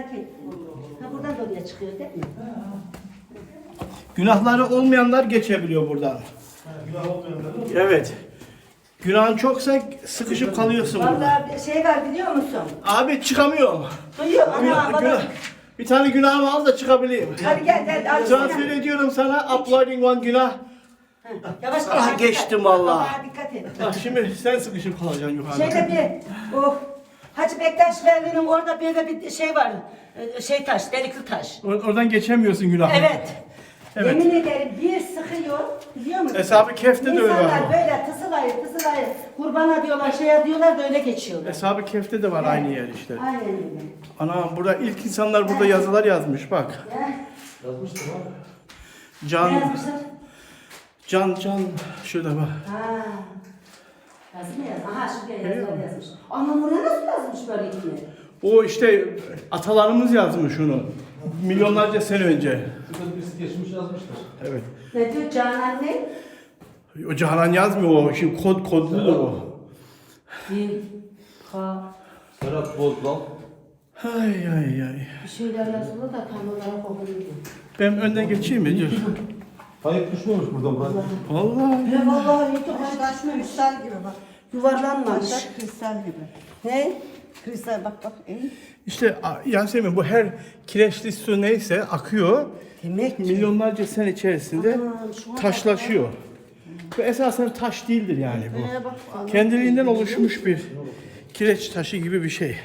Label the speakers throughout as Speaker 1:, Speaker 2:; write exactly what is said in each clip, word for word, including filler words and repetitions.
Speaker 1: et. Ha buradan da oraya çıkıyor değil mi?
Speaker 2: Günahları olmayanlar geçebiliyor buradan.
Speaker 3: Günah olmayanlar.
Speaker 2: Evet. Günahın çoksa sıkışıp kalıyorsun burada.
Speaker 1: Vallahi bir şey var biliyor musun?
Speaker 2: Abi çıkamıyorum.
Speaker 1: Duyuyor ama
Speaker 2: Günah,
Speaker 1: bana...
Speaker 2: günah. Bir tane günahımı al da çıkabileyim.
Speaker 1: Hadi gel gel. al
Speaker 2: Transfer
Speaker 1: sana.
Speaker 2: ediyorum sana. Uploading one günah.
Speaker 1: Ha, Yavaş
Speaker 2: Ah,
Speaker 1: yavaş,
Speaker 2: geçtim
Speaker 1: dikkat.
Speaker 2: vallahi.
Speaker 1: Allah'a dikkat et.
Speaker 2: Bak şimdi sen sıkışıp kalacaksın yukarıda.
Speaker 1: Şeyde bir, oh, Hacı Bektaş Veli'nin orada böyle bir şey var. Ee, Şey taş, delikli taş.
Speaker 2: Or- oradan geçemiyorsun günahı.
Speaker 1: Evet.
Speaker 2: Evet.
Speaker 1: Yemin ederim bir sıkıyor, biliyor musun?
Speaker 2: Hesabı Kef'te de öyle
Speaker 1: İnsanlar
Speaker 2: var.
Speaker 1: böyle tısılayı tısılayı kurbana diyorlar, şey diyorlar da öyle geçiyorlar.
Speaker 2: Hesabı Kef'te de var aynı yer işte.
Speaker 1: Aynen öyle.
Speaker 2: Ana burada ilk insanlar burada yazılar yazmış bak.
Speaker 1: Ya,
Speaker 3: Yazmıştım abi.
Speaker 1: ne
Speaker 2: Can,
Speaker 1: yazmışlar?
Speaker 2: can, can. Şurada bak.
Speaker 1: Ha. Yazı mı yaz? Aha şuraya yazılar yazmış. Ama buraya nasıl yazmış böyle iki?
Speaker 2: O işte atalarımız yazmış onu. Milyonlarca sene önce.
Speaker 3: Şurada birisi geçmiş yazmıştır.
Speaker 2: Evet.
Speaker 1: Ne diyor Canan ne?
Speaker 2: O Canan yazmıyor o. Şimdi kod kodludur o.
Speaker 1: Bir, ka,
Speaker 3: Serhat Bozdal.
Speaker 2: Ay ay ay.
Speaker 1: bir şeyler yazılı da tam olarak okumuyor.
Speaker 2: Ben önden geçeyim mi? Dur.
Speaker 3: Hayır düşmemiş buradan Burak.
Speaker 2: Vallahi.
Speaker 1: Ya vallahi hiç
Speaker 4: Taş kristal gibi bak.
Speaker 1: yuvarlanmamış.
Speaker 4: Taş kristal gibi.
Speaker 1: Ne?
Speaker 4: Kristal bak bak. iyi.
Speaker 2: İşte a- Yasemin bu her kireçli su neyse akıyor.
Speaker 1: Demek ki.
Speaker 2: Milyonlarca sene içerisinde
Speaker 1: Aman, şuna bak
Speaker 2: taşlaşıyor. Bu esasen taş değildir yani bu.
Speaker 1: Buraya bak. Allah.
Speaker 2: Kendiliğinden oluşmuş bir kireç taşı gibi bir şey.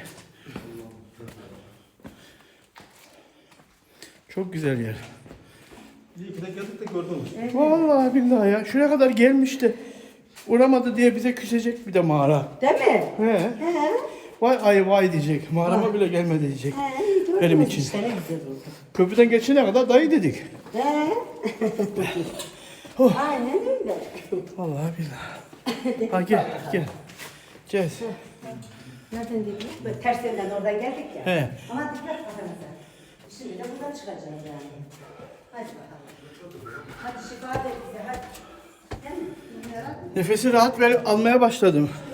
Speaker 2: Çok güzel yer.
Speaker 3: İyi ki de geldik de gördünüz.
Speaker 2: Vallahi billahi ya. Şuraya kadar gelmiş de uğramadı diye bize küsecek bir de mağara.
Speaker 1: Değil mi?
Speaker 2: He.
Speaker 1: He.
Speaker 2: Vay ay vay diyecek. Mağarama bile gelmedi diyecek.
Speaker 1: He, iyi gördünüz
Speaker 2: Benim için.
Speaker 1: işte, ne güzel oldu.
Speaker 2: Köprüden geçene kadar dayı dedik.
Speaker 1: He.
Speaker 2: Oh.
Speaker 1: Aynen öyle.
Speaker 2: Vallahi billahi. Ha gel gel. Gel.
Speaker 1: Nereden dedik? Böyle ters yönden oradan geldik ya.
Speaker 2: He.
Speaker 1: Ama dikkat kafanıza. Şimdi de buradan çıkacağız yani. Hadi bakalım. Hadi şifa ver bize hadi. Değil mi?
Speaker 2: Nefesi rahat verip almaya başladım.